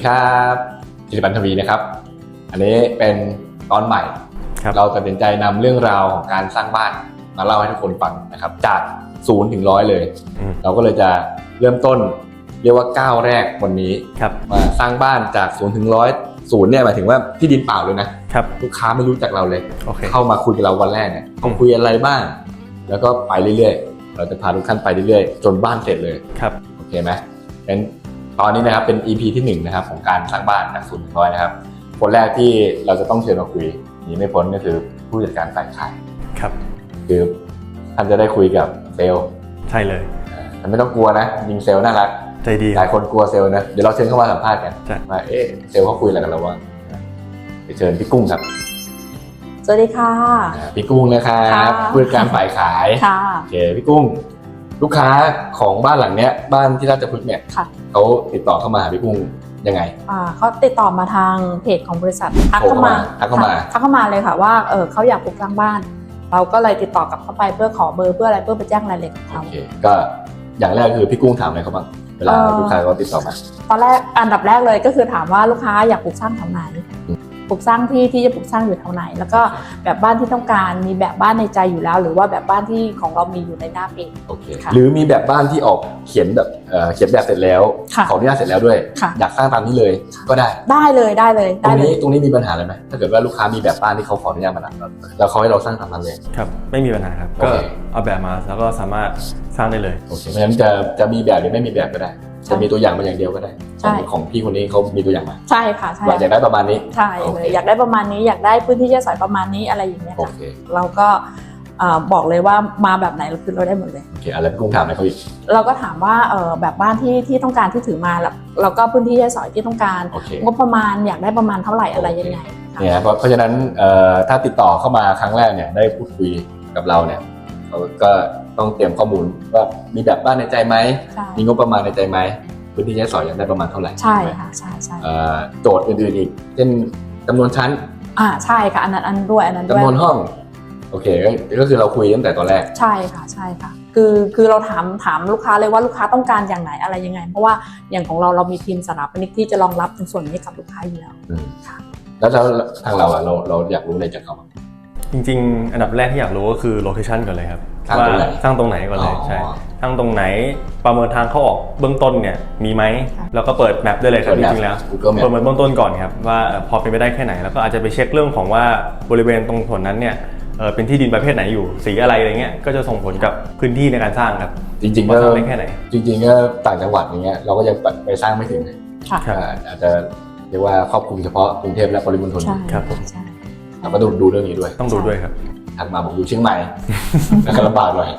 ครับจิรพันธ์ทวีนะครับอันนี้เป็นตอนใหม่เราตัดสินใจนำเรื่องราวของการสร้างบ้านมาเล่าให้ทุกคนฟังนะครับจาก0 ถึง 100เลยเราก็เลยจะเริ่มต้นเรียกว่าก้าวแรกวันนี้มาสร้างบ้านจาก0 ถึง 100 0เนี่ยหมายถึงว่าที่ดินเปล่าเลยนะลูกค้าไม่รู้จักเราเลยเข้ามาคุยกับเราวันแรกเนี่ยเขาคุยอะไรบ้างแล้วก็ไปเรื่อยๆเราจะพาทุกท่านไปเรื่อยๆจนบ้านเสร็จเลยโอเคไหมเป็นตอนนี้นะครับเป็น EP ที่1นะครับของการสร้างบ้านจาก0 ถึง 100นะครับคนแรกที่เราจะต้องเชิญมาคุยหนีไม่พ้นก็คือผู้จัดการฝ่ายขายคือท่านจะได้คุยกับเซลล์ใช่เลยแต่ไม่ต้องกลัวนะยิงเซลล์น่ารักใจดีหลายคนกลัวเซลล์นะเดี๋ยวเราเชิญเข้ามาสัมภาษณ์กันว่าเซลล์เขาคุยอะไรกันเราบ้างไปเชิญพี่กุ้งครับสวัสดีค่ะพี่กุ้งนะครับผู้จัดการฝ่ายขายโอเคพี่กุ้งลูกค้าของบ้านหลังเนี้ยบ้านที่ราชพฤกษ์เนี่ยเขาติดต่อเข้ามาหาพี่กุ้งยังไงเขาติดต่อมาทางเพจของบริษัททักเข้ามาเลยค่ะว่าเขาอยากปลูกสร้างบ้านเราก็เลยติดต่อกลับเข้าไปเพื่อขอเบอร์เพื่ออะไรเพื่อไปแจ้งรายละเอียดของเขาโอเคก็อย่างแรกคือพี่กุ้งถามอะไรเขาบ้างเวลาลูกค้าเขาติดต่อมาตอนแรกอันดับแรกเลยก็คือถามว่าลูกค้าอยากปลูกสร้างแถวไหนปลูกสร้างที่จะปลูกสร้างอยู่แถวไหนแล้วก็แบบบ้านที่ต้องการมีแบบบ้านในใจอยู่แล้วหรือว่าแบบบ้านที่ของเรามีอยู่ในหน้าเพจโอเคหรือมีแบบบ้านที่ออกเขียนแบบเขียนแบบเสร็จแล้วขออนุญาตเสร็จแล้วด้วยอยากสร้างตามนี้เลยก็ได้เลยตรงนี้มีปัญหาอะไรไหมถ้าเกิดว่าลูกค้ามีแบบบ้านที่เขาขออนุญาตมาแล้วเขาให้เราสร้างตามนั้นเลยครับไม่มีปัญหาครับก็เอาแบบมาแล้วก็สามารถสร้างได้เลยโอเคเพราะฉะนั้นจะมีแบบหรือไม่มีแบบก็ได้จะมีตัวอย่างมาอย่างเดียวก็ได้ของพี่คนนี้เขามีตัวอย่างมาใช่ค่ะใช่อยากได้ประมาณนี้ใช่เลยอยากได้ประมาณนี้อยากได้พื้นที่ใช้สอยประมาณนี้อะไรอย่างเงี้ยเราก็บอกเลยว่ามาแบบไหนคือเราได้หมดเลยโอเคอะไรพี่กุ้งถามอะไรเขาอีกเราก็ถามว่าแบบบ้านที่ต้องการที่ถือมาแล้วก็พื้นที่ใช้สอยที่ต้องการงบประมาณอยากได้ประมาณเท่าไหร่อะไรยังไงเนี่ยเพราะฉะนั้นถ้าติดต่อเข้ามาครั้งแรกเนี่ยได้พูดคุยกับเราเนี่ยเราก็ต้องเตรียมข้อมูลว่ามีแบบบ้านในใจไหมมีงบประมาณในใจไหมพื้นที่ใช้สอยอยากได้ประมาณเท่าไหร่ใช่ค่ะใช่โจทย์อื่นๆอีกเช่นจำนวนชั้นใช่ค่ะอันนั้นด้วยจำนวนห้องโอเคก็คือเราคุยตั้งแต่ตอนแรกใช่ค่ะคือเราถามลูกค้าเลยว่าลูกค้าต้องการอย่างไหนอะไรยังไงเพราะว่าอย่างของเรามีทีมสถาปนิกที่จะรองรับในส่วนนี้กับลูกค้าอยู่แล้วค่ะแล้วทางเราอยากรู้อะไรจากเขาจริงๆอันดับแรกที่อยากรู้ก็คือโลเคชั่นก่อนเลยครับว่าสร้างตรงไหนก่อนเลยใช่สร้างตรงไหนประเมินทางเข้าออกเบื้องต้นเนี่ยมีไหมแล้วก็เปิดแมปได้เลยครับจริงๆแล้วประเมินเบื้องต้นก่อนครับว่าพอเป็นไปได้แค่ไหนแล้วก็อาจจะไปเช็คเรื่องของว่าบริเวณตรงส่วนนั้นเนี่ยเป็นที่ดินประเภทไหนอยู่สีอะไรเงี้ยก็จะส่งผลกับพื้นที่ในการสร้างครับจริงๆก็ได้แค่ไหนจริงๆก็ต่างจังหวัดอย่างเงี้ยเราก็ยังไปสร้างไม่ถึงอาจจะเรียกว่าครอบคลุมเฉพาะกรุงเทพและปริมณฑลครับผมเราก็ดูเรื่องนี้ด้วยต้องดูด้วยครับถัดมาผมอยู่เชียงใหม่แล้วก็ลำบากหน่อย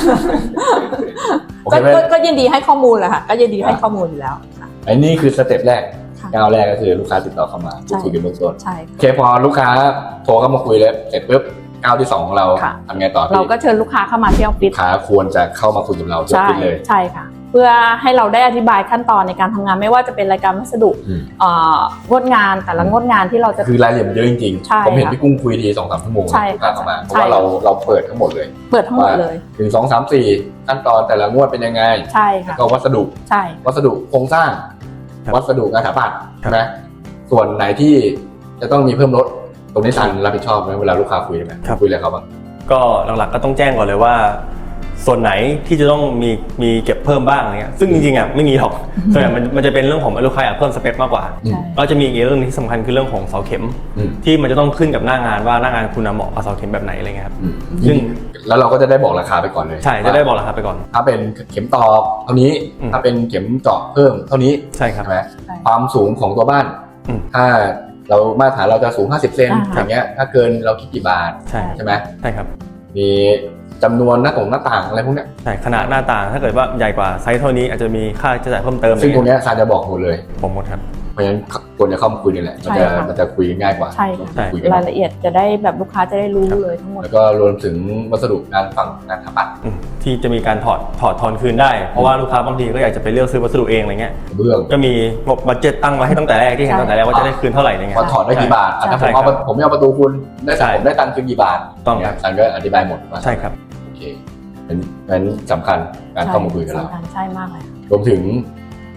ก็ยินดีให้ข้อมูลแหละค่ะก็ยินดีให้ข้อมูลอยู่แล้วไอ้นี่คือสเต็ปแรกก้าวแรกก็คือลูกค้าติดต่อเข้ามาพูดคุยกันเบื้องต้นโอเคพอลูกค้าโทรเข้ามาคุยแล้วเสร็จปุ๊บก้าวที่2ของเราทำไงต่อเราก็เชิญลูกค้าเข้ามาที่ออฟฟิศลูกค้าควรจะเข้ามาคุยกับเราที่ออฟฟิศเลยใช่ค่ะเพื่อให้เราได้อธิบายขั้นตอนในการทำงานไม่ว่าจะเป็นรายการวัสดุงดงานแต่ละงดงานที่เราจะคือรายละเอียดเยอะจริงๆผมเห็นพี่กุ้งคุยที 2-3 ชั่วโมงเข้ามาเพราะว่าเราเปิดทั้งหมดเลยถึง2, 3, 4ขั้นตอนแต่ละงวดเป็นยังไงใช่ค่ะก็วัสดุโครงสร้างวัสดุงานสถาปัตย์ใช่ไหมส่วนไหนที่จะต้องมีเพิ่มลดตรงนี้ซันรับผิดชอบไหมเวลาลูกค้าคุยไหมคุยอะไรเขาบ้างก็หลักๆก็ต้องแจ้งก่อนเลยว่าส่วนไหนที่จะต้องมีเก็บเพิ่มบ้างอะไรเงี้ยซึ่งจริงๆไม่มีหรอกส่วนใหญ่มันจะเป็นเรื่องของลูกค้าอยากเพิ่มสเปคมากกว่าก็จะมีอีกเรื่องที่สำคัญคือเรื่องของเสาเข็มที่มันจะต้องขึ้นกับหน้างานว่าหน้างานคุณเหมาะกับเสาเข็มแบบไหนอะไรเงี้ยครับซึ่งแล้วเราก็จะได้บอกราคาไปก่อนเลยใช่จะได้บอกราคาไปก่อนถ้าเป็นเข็มตอกเท่านี้ถ้าเป็นเข็มเจาะเพิ่มเท่านี้ใช่ครับความสูงของตัวบ้านถ้าเรามาตรฐานเราจะสูง50 เซนอย่างเงี้ยถ้าเกินเราคิดกี่บาทใช่ไหมใช่ครับมีจำนวนหน้าต่างอะไรพวกนี้ใช่ขนาดหน้าต่างถ้าเกิดว่าใหญ่กว่าไซส์เท่านี้อาจจะมีค่าใช้จ่ายเพิ่มเติมซึ่งตรงนี้ซาจะบอกหมดเลยผมหมดครับเพราะฉะนั้นควรจะเข้ามาคุยนี่แหละมันจะคุยง่ายกว่าใช่รายละเอียดจะได้แบบลูกค้าจะได้รู้เลยทั้งหมดแล้วก็รวมถึงวัสดุงานฝั่งงานสถาปัตย์ที่จะมีการถอดทอนคืนได้เพราะว่าลูกค้าบางทีก็อยากจะไปเลือกซื้อวัสดุเองอะไรเงี้ยก็มีงบบัดเจ็ตตั้งไว้ให้ตั้งแต่แรกที่เห็นตั้งแต่แรกว่าจะได้คืนเท่าไหร่อะไรเงี้ยว่าถอดได้กี่บาทถ้าผมไม่เอาประตูคุณผมได้ตังค์คืนกี่บาทต้องซันก็อธิบายหมดใช่ครับโอเคนั้นสำคัญการเข้ามาคุยกับเราใช่มากเลยรวมถึง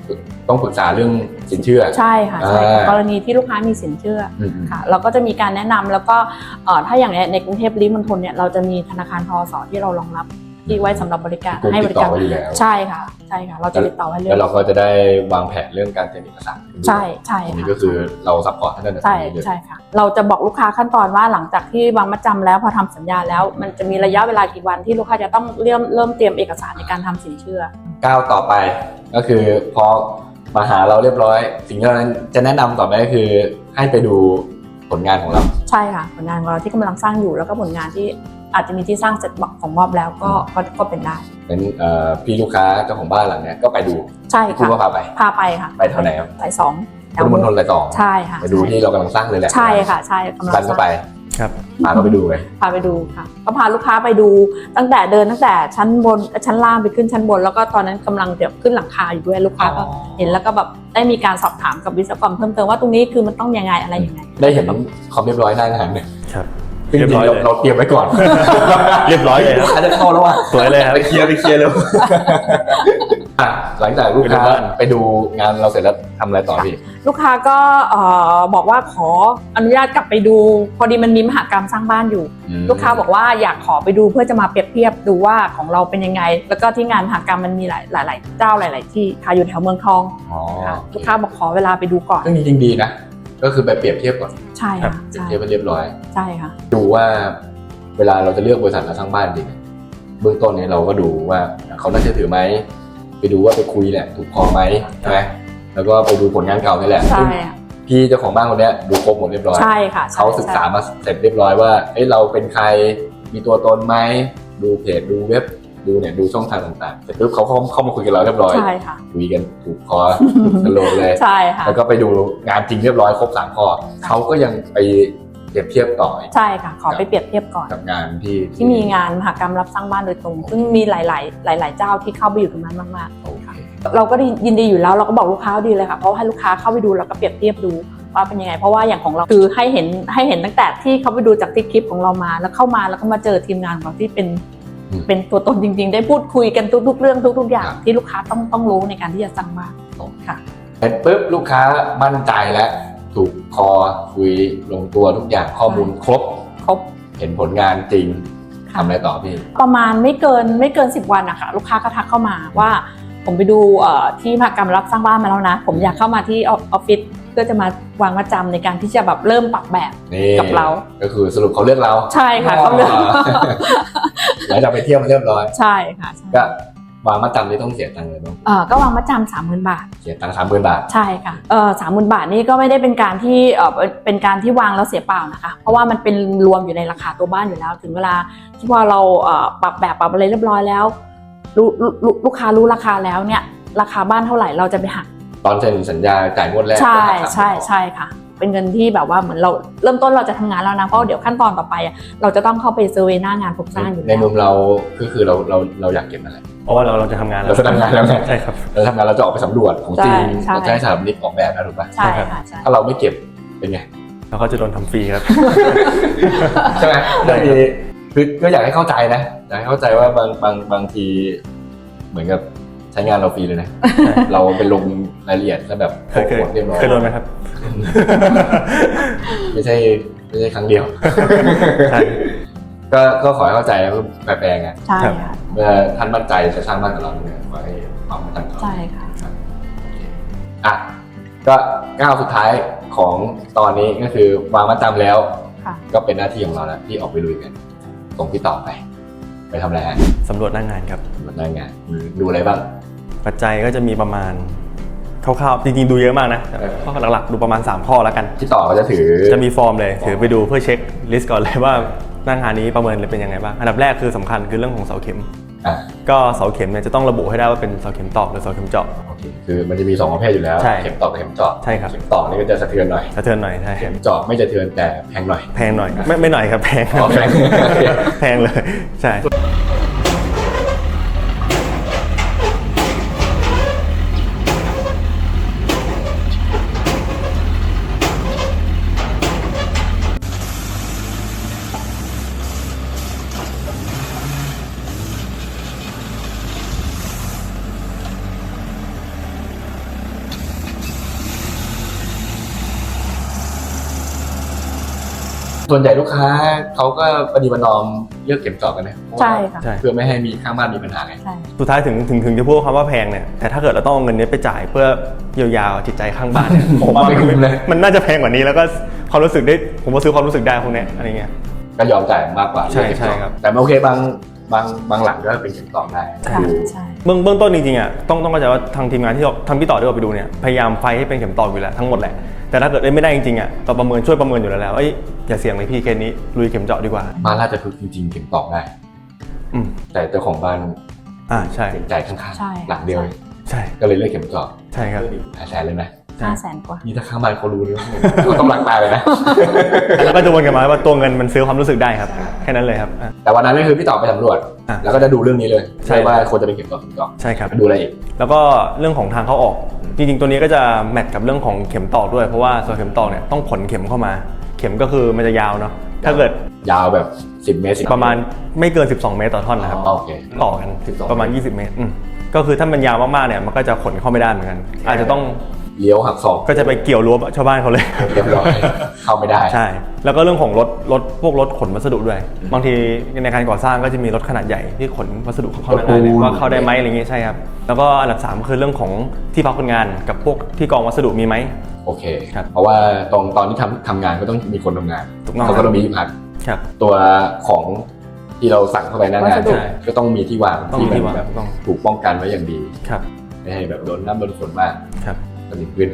ต้องปรึกษาเรื่องสินเชื่อใช่ค่ะใช่กรณีที่ลูกค้ามีสินเชื่อค่ะเราก็จะมีการแนะนำแล้วก็ถ้าอย่างในกรุงเทพปริมณฑลเนี่ยเราจะมีธนาคารทส.ที่เรารองรับที่ไว้สำหรับบริการให้บริการใช่ค่ะเราจะติดต่อไว้เลยแล้วเราก็จะได้วางแผนเรื่องการเตรียมเอกสารใช่อันนี้ก็คือเราซัพพอร์ตท่านนั้นใช่ค่ะเราจะบอกลูกค้าขั้นตอนว่าหลังจากที่วางมัดจำแล้วพอทำสัญญาแล้วมันจะมีระยะเวลากี่วันที่ลูกค้าจะต้องเริ่มเตรียมเอกสารในการทำสินเชื่อก้าวต่อไปก็คือพอมาหาเราเรียบร้อยสิ่งที่เราจะแนะนำต่อไปก็คือให้ไปดูผลงานของเราใช่ค่ะผลงานของเราที่กำลังสร้างอยู่แล้วก็ผลงานที่อาจจะมีที่สร้างเสร็จของมอบแล้วก็เป็นได้เป็นพี่ลูกค้าเจ้าของบ้านหลังนี้ก็ไปดูใช่ค่ะคุณก็พาไปค่ะไปเท่าไหร่ครับสายสองพุทธมณฑลสายสองใช่ค่ะไปดูที่เรากำลังสร้างเลยแหละใช่ค่ะใช่กำลังก็ไปครับพาเขาไปดูเลยพาไปดูค่ะก็พาลูกค้าไปดูตั้งแต่ชั้นบนชั้นล่างไปขึ้นชั้นบนแล้วก็ตอนนั้นกำลังจะขึ้นหลังคาอยู่ด้วยลูกค้าก็เห็นแล้วก็แบบได้มีการสอบถามกับวิศวกรเพิ่มเติมว่าตรงนี้คือมันต้องยังไงอะไรยังไงได้เห็นความเรียบร้อยหน้างานเนี่ยครับเรียบร้อยเราเตรียมไว้ก่อนเรียบร้อยเลยอาจจะเข้าแล้วอ่ะสวยเลยครับไปเคลียร์เลยหลังจากลูกค้าไปดูงานเราเสร็จแล้วทำอะไรต่อพี่ลูกค้าก็บอกว่าขออนุญาตกลับไปดูพอดีมันมีมหกรรมสร้างบ้านอยู่ลูกค้าบอกว่าอยากขอไปดูเพื่อจะมาเปรียบเทียบดูว่าของเราเป็นยังไงแล้วก็ที่งานมหกรรมมันมีหลายเจ้าหลายที่ค่ะอยู่แถวเมืองทองลูกค้าบอกขอเวลาไปดูก่อนเรื่องนี้จริงดีนะก็คือไปเปรียบเทียบก่อนใช่ค่ะเปรียบเทียบไปเรียบร้อยใช่ค่ะดูว่าเวลาเราจะเลือกบริษัทมาสร้างบ้านจริงเบื้องต้นนี้เราก็ดูว่าเขาน่าเชื่อถือไหมไปดูว่าไปคุยแหละถูกคอไหมใช่ไหมแล้วก็ไปดูผลงานเก่านี่แหละใช่พี่เจ้าของบ้านคนนี้ดูครบหมดเรียบร้อยใช่ค่ะเขาศึกษามาเสร็จเรียบร้อยว่าเราเป็นใครมีตัวตนไหมดูเพจดูเว็บดูช่องทางต่างๆเสร็จปุ๊บเขาเข้ามาคุยกับเราเรียบร้อยใช่ค่ะคุยกันถูกคอสโลเลยใช่ค่ะแล้วก็ไปดูงานจริงเรียบร้อยครบ3ข้อเขาก็ยังไปเปรียบเทียบต่อใช่ค่ะขอไปเปรียบเทียบก่อนกับงานที่มีงานมหกรรมรับสร้างบ้านโดยตรงซึ่งมีหลายเจ้าที่เข้าไปอยู่ตรงนั้นมากๆเราก็ยินดีอยู่แล้วเราก็บอกลูกค้าดีเลยค่ะเพราะให้ลูกค้าเข้าไปดูแล้วก็เปรียบเทียบดูว่าเป็นยังไงเพราะว่าอย่างของเราคือให้เห็นตั้งแต่ที่เขาไปดูจากที่คลิปของเรามาแล้วเข้ามาแล้วก็มาเจอทีมงานของเราที่เป็นตัวตนจริงๆได้พูดคุยกันทุกๆเรื่องทุกๆอย่างที่ลูกค้าต้องรู้ในการที่จะสร้างบ้านค่ะเสร็จปุ๊บลูกค้ามั่นใจแล้วถูกคอคุยลงตัวทุกอย่างข้อมูลครบเห็นผลงานจริงทำอะไรต่อพี่ประมาณไม่เกิน10 วันนะคะลูกค้าก็ทักเข้ามาว่าผมไปดูที่มหกรรมรับสร้างบ้านมาแล้วนะผมอยากเข้ามาที่ออฟฟิศเพื่อจะมาวางมัดจำในการที่จะแบบเริ่มปรับแบบกับเราก็คือสรุปเขาเลือกเราใช่ค่ะเขาเลือกแล้วจะไปเที่ยวมาเรียบร้อยใช่ค่ะก็วางมัดจำนี่ต้องเสียตังค์เลยบ้างก็วางมัดจำ30,000 บาทเสียตังค์ 30,000 บาทใช่ค่ะ30,000 บาทนี่ก็ไม่ได้เป็นการที่วางแล้วเสียเปล่านะคะเพราะว่ามันเป็นรวมอยู่ในราคาตัวบ้านอยู่แล้วถึงเวลาที่พอเราปรับแบบปรับอะไรเรียบร้อยแล้วลูกค้ารู้ราคาแล้วเนี่ยราคาบ้านเท่าไหร่เราจะไปหักตอนเซ็นสัญญาจ่ายงวดแรกใช่ค่ะเป็นเงินที่แบบว่าเหมือนเราเริ่มต้นเราจะทำงานแล้วนะเพราะเดี๋ยวขั้นตอนต่อไปเราจะต้องเข้าไปเซอร์เวย์หน้างานโครงสร้างอยู่ในมุมเราคือเราอยากเก็บอะไรเพราะว่าเราจะทำงานเราจะทำงานแล้วใช่ครับเราทำงานเราจะออกไปสำรวจของจริงเราจะให้สถาปนิกออกแบบนะถูกป่ะใช่ค่ะถ้าเราไม่เก็บเป็นไงเราก็จะโดนทำฟรีครับใช่ไหมคือก็อยากให้เข้าใจนะอยากให้เข้าใจว่าบางทีเหมือนกับใช้งานเราฟรีเลยนะเราไปลงรายละเอียดแล้วแบบเคยโดนไหมครับไม่ใช่ครั้งเดียวก็ขอให้เข้าใจแล้วแปลงไงใช่ค่ะเมื่อท่านมั่นใจจะสร้างบ้านกับเราเนี่ยขอให้ความมั่นใจใช่ค่ะก็ก้าวสุดท้ายของตอนนี้ก็คือวางมัดจำแล้วก็เป็นหน้าที่ของเราแล้วที่ออกไปลุยกันส่งพี่ต่อไปทำอะไรฮะสำรวจหน้างานครับสำรวจหน้างานดูอะไรบ้างปัจจัยก็จะมีประมาณคร่าวๆจริงๆดูเยอะมากนะข้อหลักๆดูประมาณ3ข้อแล้วกันที่ต่อก็จะมีฟอร์มเลยถือไปดูเพื่อเช็คลิสต์ก่อนเลยว่าหน้างานนี้ประเมินเลยเป็นยังไงบ้างอันดับแรกคือสำคัญคือเรื่องของเสาเข็มก็เสาเข็มเนี่ยจะต้องระบุให้ได้ว่าเป็นเสาเข็มตอกหรือเสาเข็มเจาะคือมันจะมี2ประเภทอยู่แล้วเข็มตอกกับเข็มเจาะใช่ครับเข็มตอกนี่ก็จะสะเทือนหน่อยใช่เข็มเจาะไม่สะเทือนแต่แพงหน่อยไม่หน่อยครับแพงเลยใช่ส่วนใหญ่ลูกค้าเขาก็ปฏิบัตินอมเลือกเข็มเจาะกันนะใช่ค่ะเพื่อไม่ให้มีข้างบ้านมีปัญหาไงใช่สุดท้ายถึงจะพูดคำว่าแพงเนี่ยแต่ถ้าเกิดเราต้องเอาเงินนี้ไปจ่ายเพื่อเยียวยาจิตใจข้างบ้านเนี่ยผมว่าไม่คุ้มเลยมันน่าจะแพงกว่านี้แล้วก็ความรู้สึกได้ผมว่าซื้อความรู้สึกได้พวกเนี้ยอะไรเงี้ยก็ยอมจ่ายมากกว่าใช่เลือกเข็มเจาะใช่ครับแต่โอเคบางหลังก็เป็นเข็มเจาะได้ค่ะดูใช่เบื้องต้นจริงๆอ่ะต้องเข้าใจว่าทางทีมงานที่ทางพี่ต่อที่เราไปดูเนี่ยพยายามไฟให้เป็นเข็มตอกอยู่แล้วทั้งหมดแหละแต่ถ้าเกิดไม่ได้จริงๆอ่ะเราช่วยประเมินอยู่แล้วอย่าเสี่ยงเลยพี่เคสนี้ลุยเข็มเจาะดีกว่าบ้านราชพฤกษ์จริงๆเข็มเจาะได้ แต่เจ้าของบ้านใช่เห็นใจข้างใช่ๆหลังเดียวใช่ก็เลยเลือกเข็มเจาะใช่ครับ 500,000เลยนะ 500,000 กว่านี่ถ้าข้างบ้านเขารู้นี่เขาต้องรักตายเลยนะแล้วก็จะวนกลับมาว่าตัวเงินมันซื้อความรู้สึกได้ครับแค่นั้นเลยครับแต่วันนั้นก็คือพี่ต่อไปสำรวจ แล้วก็จะดูเรื่องนี้เลยใช่ใช่ว่าควรจะเป็นเข็มเจาะใช่ครับดูอะไรอีกแล้วก็เรื่องของทางเข้าออกจริงๆตัวนี้ก็จะแมทกับเรื่องของเข็มตอกด้วยเพราะว่าส่วนเข็มตอกเนี่ยต้องขนเข็มเข้ามา เข็มก็คือมันจะยาวเนาะถ้าเกิดยาวแบบ10 เมตร10 ประมาณไม่เกิน12 เมตรต่อท่อนนะครับโอเคต่อกัน 12 ประมาณ20 เมตรก็คือถ้ามันยาวมากๆเนี่ยมันก็จะขนเข้าไม่ได้เหมือนกัน อาจจะต้องเลี้ยวหักศอกก็จะไปเกี่ยวรั้วชาวบ้านเขาเลยเรียบร้อยเข้าไม่ได้ใช่ แล้วก็เรื่องของพวกรถขนวัสดุด้วย บางทีในการก่อสร้างก็จะมีรถขนาดใหญ่ที่ขนวัสดุเข้ามาได้เลยว่าเข้าได้ไหมอะไรอย่างงี้ใช่ครับ แล้วก็อันดับ3ก็คือเรื่องของที่พักคนงานกับพวกที่กองวัสดุมีไหมโอเคครับเพราะว่าตอนที่ทำงานก็ต้องมีคนทำงานถูกต้องเขาก็ต้องมีที่พักครับตัวของที่เราสั่งเข้าไปหน้างานวัสดุก็ต้องมีที่วางต้องมีที่วางแบบต้องถูกป้องกันไว้อย่างดีครับไม่ให้แบบโดนน้ำโดนฝนมากครับสนิมขึ้น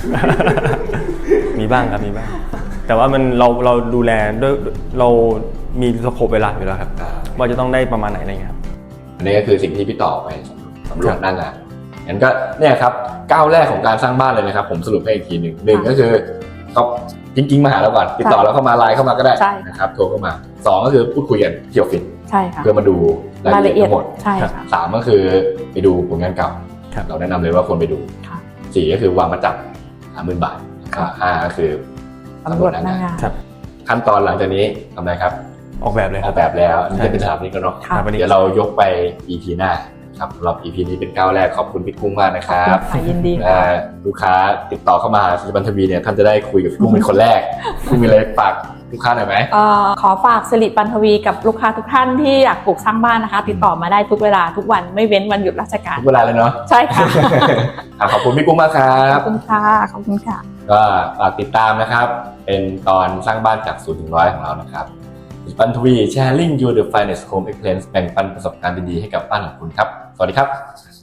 มีบ้างครับมีบ้าง แต่ว่ามันเราดูแลด้วยเรามีสโคปเวลาอยู่แล้วครับว่าจะต้องได้ประมาณไหนอะไรเงี้ยครับอันนี้ก็คือสิ่งที่พี่ต่อไปสำรวจหน้างานงั้นก็เนี่ยครับก้าวแรกของการสร้างบ้านเลยนะครับผมสรุปให้อีกทีหนึ่งก็คือเขาจริงๆมาหาเราก่อนติดต่อเราเข้ามาไลน์เข้ามาก็ได้ใช่นะครับโทรเข้ามา2ก็คือพูดคุยกันที่ออฟฟิศใช่ค่ะเพื่อมาดูรายละเอียดทั้งหมดใช่ค่ะ 3ก็คือไปดูผลงานเก่าครับเราแนะนำเลยว่าควรไปดูค่ะ 4ก็คือวางมาจับ50,000 บาท5ก็คือตำรวจหน้างานครับขั้นตอนหลังจากนี้ทำอะไรครับออกแบบเลยอคอรับกแบบแล้วนี่ใช่จะเป็นสถาปนิกแล้วเนาะค่ะเดี๋ยวเรายกไป EP หน้าครับสำหรับ EP นี้เป็นก้าวแรกขอบคุณพี่กุ้งมากนะครับค่ะยินดีค่ะลูกค้าติดต่อเข้ามาหาศิลปันทวีเนี่ยท่านจะได้คุยกับพี่กุ้งเป็นคนแรกกุ้งมีอะไรฝากลูกค้าหน่อยไหมขอฝากสิริปันทวีกับลูกค้าทุกท่านที่อยากปลูกสร้างบ้านนะคะ ติดต่อมาได้ทุกเวลาทุกวันไม่เว้นวันหยุดราชการทุกเวลาเลยเนาะใช่ค่ะขอบคุณพี่กุ้งมากครัขบอบคุณค่ะขอบคุณค่ะก็ฝากติดตามนะครับ เป็นตอนสร้างบ้านจาก0 ถึง 100ของเรานะครับศิลปันทวี sharing you the finest home experience แบ่งปันประสบการณ์ดีๆให้กับบ้านของคุณครับ สวัสดีครับ